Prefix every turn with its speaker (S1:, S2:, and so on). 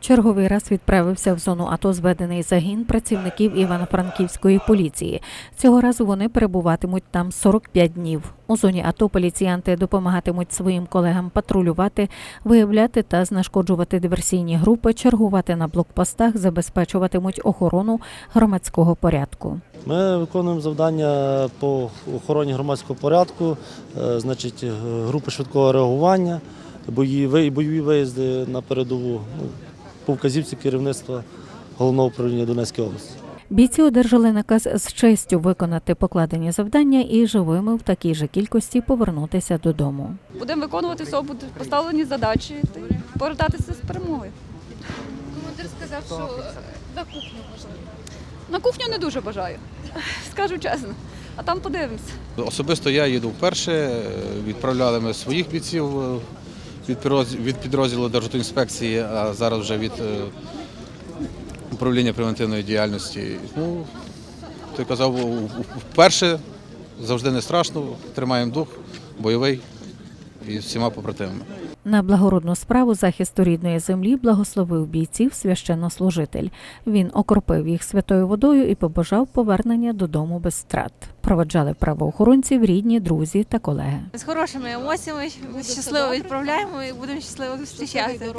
S1: Черговий раз відправився в зону АТО зведений загін працівників Івано-Франківської поліції. Цього разу вони перебуватимуть там 45 днів. У зоні АТО поліціянти допомагатимуть своїм колегам патрулювати, виявляти та знешкоджувати диверсійні групи, чергувати на блокпостах, забезпечуватимуть охорону громадського порядку.
S2: Ми виконуємо завдання по охороні громадського порядку, групи швидкого реагування, бойові виїзди на передову, по вказівці керівництва Головного управління Донецької області.
S1: Бійці одержали наказ з честю виконати покладені завдання і живими в такій же кількості повернутися додому.
S3: Будемо виконувати все, будуть поставлені задачі і повертатися з перемогою.
S4: Командир сказав, що на кухню можливо.
S3: На кухню не дуже бажаю, скажу чесно, а там подивимося.
S5: Особисто я їду вперше, відправляли ми своїх бійців від підрозділу Державтоінспекції, а зараз вже від управління превентивної діяльності. Ну, ти казав, вперше, завжди не страшно, тримаємо дух, бойовий і з всіма побратимами.
S1: На благородну справу захисту рідної землі благословив бійців священнослужитель. Він окропив їх святою водою і побажав повернення додому без втрат. Проводжали правоохоронців рідні, друзі та колеги.
S4: З хорошими емоціями щасливо відправляємо і будемо щасливо зустрічати.